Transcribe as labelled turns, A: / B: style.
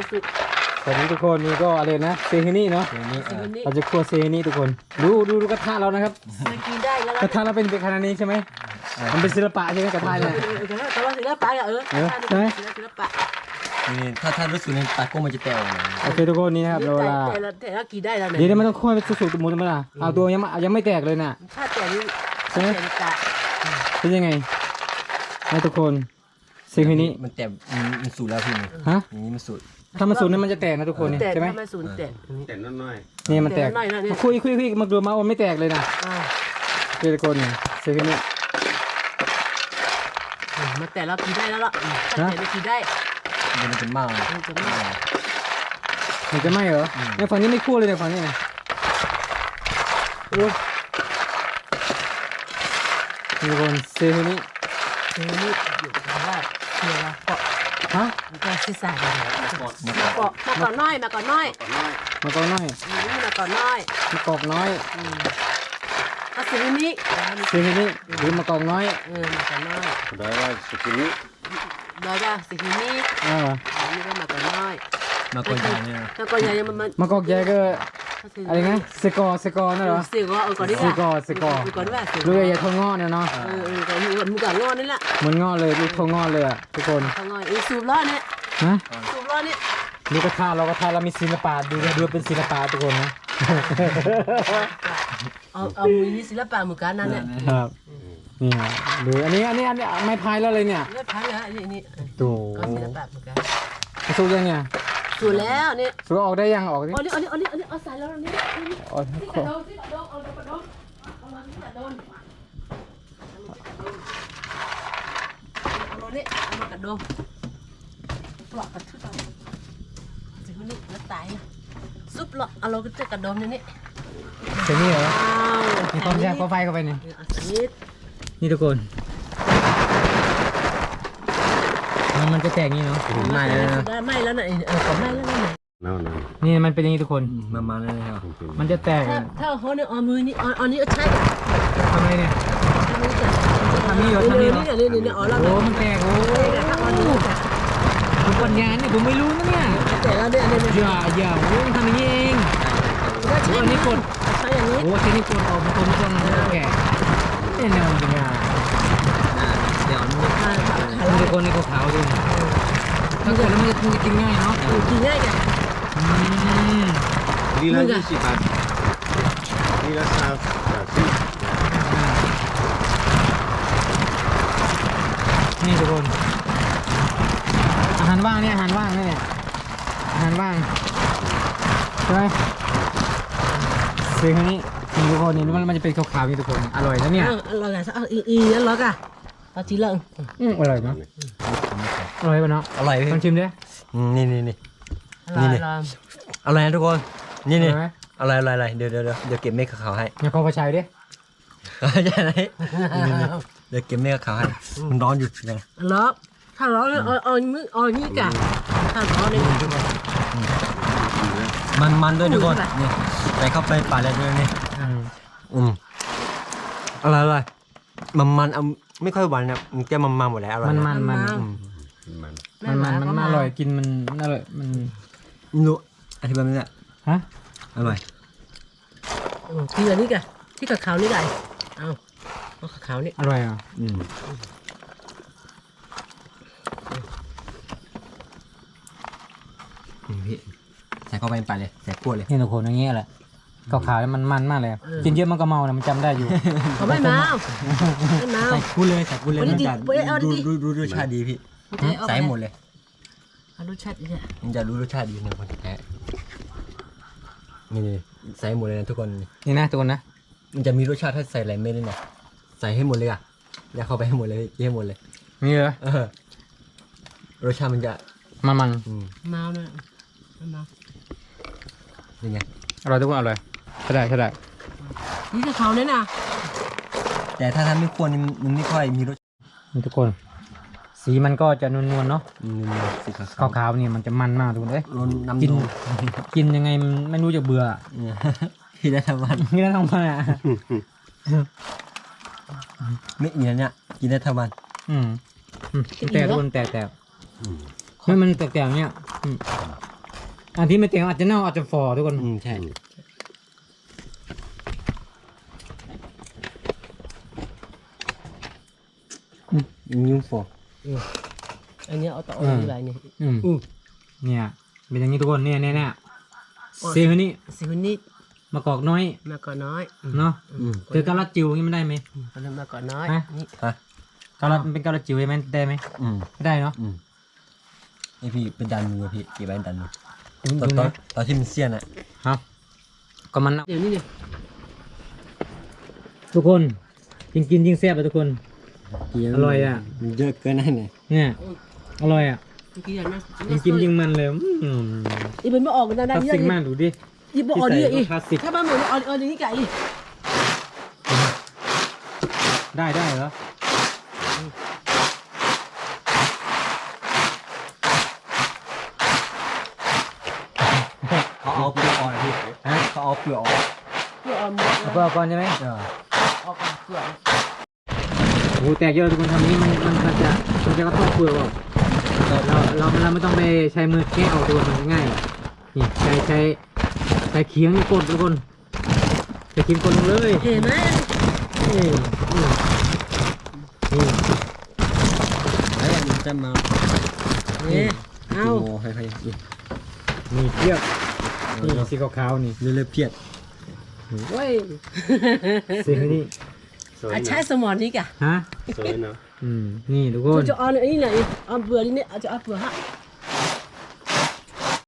A: สวัสดีทุกคนนี่ก็อะไรนะเซฮินี่เนาะเราจะคั่วเซฮินี่ทุกคนดูกระทะเรานะครับ
B: กินได้แล้ว
A: กระทะเราเป็นขนาดนี้ใช่ไหมมันเป็นศิลปะใช่ไหมกระทะเนี่ย
B: แต่ว่าศิลปะศิลปะ
C: นี่ถ้ารู้สึกในตาโก้มันจะแตกนะ
A: โอเคทุกคนนี่นะครับเราละ
B: แต่ละกินได้แล้ว
A: เดี๋ยวมันต้องคั่วไปสุกๆหมดมั้ยล่ะเอาตัวยังไม่แตกเลยน่ะ
B: ถ้าแต่นี้
A: ใช่ไหมเป็นยังไงให้ทุกคนเซฮินี่
C: มันแตกมันสูดแล้วพี่นี่
A: ฮะ
C: อย่างนี้มันสูด
A: ถ้ามันสุกนั้นมันจะแตกนะทุกคนนี่
B: แต่
A: ใช่ไหม
B: ไม่สูญแต่
D: แต่น้อย
A: นี่มันแตกมาคุยมาดูมาโอ้ไม่แตกเลยนะทุกคนเซฮินี่
B: มาแต่เรากินได้แล้วล่ะแต่ไม่กินได้
C: มันเป็นเมา
B: มันจะไม่
A: มันจะไหมเหรอในฝั่งนี้ไม่คั่วเลยในฝั่งนี้นะโอ้ทุกคนเซฮินี่
B: นี่อยู่ว่าเชื่อว่าเกาะ
A: ฮะ
B: มันก็ศีรษะมาเกาะมาก่อนน้อยมาก่อนน้อย
A: มากอกน้อย
B: มาก่อนน้อย
A: มากอกน้อย
B: ก็สินี้
A: เซฮินี่หรือมากอกน้อย
B: มาก่อนน้อย
D: ๆได้ว่าสุกินี้
B: ได้จ้ะสินี้ นี่ก็มาก่อนน้อย
C: มาก่อนอย่างนี้
B: มาก่อนใหญ่มัน
A: มากอกใหญ่ก็อะไรนะเซกอนั่นเหรอ
B: เสียก็ก่อนดีกว่าก่อนว่าเสีย
A: ลูกใหญ่ๆทองงอเนี่ยเนาะ
B: ก่อนมือก่อนงอนี่แหละ
A: เหมันงอเลยลูกทองงอเลยอ่ะทุกคน
B: งอสูบล้อเนี่ย
A: ฮะ
B: สูบล้อเนี่ย
A: นี่กระทะเรามีศิลปะดูเป็นศิลปะทุกคนนะ
B: เอามือนี่ศิลปะมือกันนั่นเนี่ย
A: ครับนี่หรืออันนี้ไม่พายแล้วเลยเนี่ย
B: เลือดพังแล้วนี่
A: ดู
B: ก็ศิลปะมือกัน
A: สู้ยังเนี่ย
B: สูบแล้วนี่
A: สู้ออกได้ยังออกดิ
B: อันนี้เอาใส่แล้วนี่
A: ออก
B: ที่กระโดดที่กระโดดเอากระโดดเอามาที่กระโดดเอาเนี่ยเอามากระโดดปลอกกระทึกเอาถึงนี่แล้วตายซุปหรอกเอาเราก็จะกระโดดนี่
A: เดี๋ยวนี้เหรอมีความแซ่บก็ไฟเข้าไปนี่
B: นี่
A: นี่ทุกคนมันจะแตกนี่เนาะ
B: ไม่แล้วนะไม่แล้วนะก็ไม่แล้วนะ
D: นั่น
A: นี่มันเป็นอย่างนี้ทุกคน
C: มาเลยครับ
A: มันจะแตก
B: ถ้าเขาเนี่ยเอามือนี่เอานี้ใช่
A: ทำไมเนี่ย
B: ทำนี่เหรอนี่อ๋อเรา
A: โอ้มันแตกโอ้ทุกวันงานนี่ผมไม่รู้นะเนี่ย
B: แต่แล้วเนี่ย
A: อย่าโอ้ทำอย่างนี้เองอันนี้กด
B: ใช่อย่างนี้
A: โอ้ทีนี้กดออกมาคนไม่ต้องแก่แน่นอนจริงอ่ะ
C: เดี๋ยวนี่
A: มันจะคนในขาวๆด้วยถ้ากดแล้วมันจะกินง่ายเนาะ
B: กินง่ายกัน
D: ลีลา20 บาทลีลา30 บาท
A: นี่ทุกคนอาหารว่างเนี่ยอาหารว่างเนี่ยอาหารว่างใช่ไหมซื้อครั้งนี้ทุกคนนี่มันจะเป็นขาวๆนี่ทุกคนอร่อยนะเนี่ย
B: อร่อยอ่ะอีแล้วล็อกอ่ะเอาจีเลิง
A: อร่อยเนาะอร่อยป่ะเนาะ
C: อร่อยพี่
A: ลองชิมดิ
C: นี่
B: อร่อย
C: อะไรนะทุกคนนี่
A: อร่อยไหม
C: อะไรเดี๋ยวเก็บเม็ดขาวให้
A: อย่าเข้าไปใช้ดิ
C: ใช่ไหมเดี๋ยวเก็บเม็ดขาวให้มันร้อนอยู่นะ
B: ล็อกถ้าล็อกเนี่ยเอามือเอานี้กันถ้าล็อกเนี่ย
C: มันด้วยทุกคนนี่ใส่เข้าไปป่าแล้วด้วยนี่อะไรมันเอาไม่ค่อยหวานนะมันแก้มันหมดแล้วอร่อย
A: มันอร่อยกินมันอร่อยมัน
C: รู้อธิบายไม่ได้
A: ฮะ
C: อร่อย
B: ที่อันนี้กันที่กับขาวนี่ไงเอาขาวนี่
A: อร่อยอ่ะ
C: พี่ใส่เข้าไปป่าเลยใส่กล้วยเลย
A: นี่ทุกคนอย่างเงี้ยแหละขาวๆมันมากเลยกินเยอะมันก็เมานะมันจำได้อยู่
B: เขาไม่มาไม่มา
C: ใส่กุ้งเลยมันจะดูรสชาติดีพี่ใส่หมดเลย
B: เอารสชาติเนี่ย
C: มันจะรู้รสชาติดีในคนแท้นี่ใส่หมดเลยนะทุกคน
A: นี่นะทุกคนนะ
C: มันจะมีรสชาติถ้าใส่อะไรไม่ได้หรอกใส่ให้หมดเลยอ่ะอย่าเข้าไปให้หมดเลยให้หมดเลย
A: นี่เหรอ
C: รสชาติมันจะ
A: มัน
B: เมาเนี่ยเมา
C: ยังไง
A: อร่อยทุกคนอร่อยใช่ได้
B: นี่กับขาวเนี่ยนะ
C: แต่ถ้าทำไม่ควรมันไม่ค่อยมีรส
A: นี่ทุกคน สีมันก็จะนวลๆเนาะ
C: สีขาว
A: ขาวๆนี่มันจะมันมากทุกคนเอ้ย
C: ร้อนน้ำ
A: กิน
C: ดง
A: กินยังไงมันไม่รู้จะเบื่อ
C: พี่ได้ทั้งวัน
A: นี่แล้วทำไมอ่ะ
C: ไม่เหนียวเนี่ยกินได้ทั้งวัน
A: แต่ทุกคนแต่ไม่มันแตกๆเนี่ยอันที่ไม่เต็มอาจจะเน่าอาจจะฝ่อทุกคน
C: ใช่ยุ่งฟอ
B: อันนี้เอาต่อเอาดีไรนี่
A: เนี่ยเป็นอย่างนี้ทุกคนเนี่ยเซลนี่
B: สิคนนี้
A: มะกอกน้อย
B: มาก่อนน้อย
A: เนาะคือกะลัดจิ๋วนี่มันได้ไหม
B: คนนั้นมาก่อนน้อยนี่
C: ฮะ
A: กะลัดมันเป็นกะลัดจิ๋วใช่ไหมได้ไหมไม่ได้เนาะ
C: ไอพี่เป็นดันมือพี่เก็บไว้ดันมือ
A: ดู
C: ตอน
A: นะ
C: ตอนที่มันเสี้ยนอ่ะ
A: ครับก็มัน
B: เดี๋ยวนี้เนี่ย
A: ทุกคนยิ่งกินยิ่งแซ่บเลยทุกคน อร่อยอ่ะ
C: มันเยอะเกินนั่นเลย
A: เนี่ยอร่อยอ่ะ
B: เมื่อกี้อย่างนั้น
A: ยิ่งกินยิ่งมันเลย
B: อีเป็นไม่ออกกัน
A: ค
B: ได้
A: ลาส
B: เย
A: สิก
B: อะ
A: มากดูดิ
B: อีบอกออกดีอี
A: คลาสสิก
B: ถ้าบ้านเหมือนออกอย่างนี้ไก่
A: ได้เหรอ
C: เขาเอาเปลือกออกพี่เขาเอาเปลือกออก
B: เพื่อเอาหมด
A: เอาเปลือกก่อนใช่ไหม
B: ออกเพื่อ
A: โอ้โหแตกเยอะทุกคนทำนี้มันจะกระทบเปลือกออกเราไม่ต้องไปใช้มือแค่เอาตัวมันง่ายนี่ใช้เคียงกดทุกคนใช้เคียงกดลงเลย
B: เห็นไหม
A: นี่
C: แล้วมันจะมา
B: เนี่ยเอา
C: โง่ให้
A: นี่เพียบนี่สีขาวๆนี่
C: เรื่อยๆเพียด
A: เว้ยสีนี่
D: สวย
B: ใช้
D: นะ
B: สมองนี่กะ
A: ฮะ
D: สวยเนาะ
A: นี่ทุกคน
B: จะเอาอันนี้ไหนเอาเปลือกนี่เนี่ยจะเอาเปลือกฮะ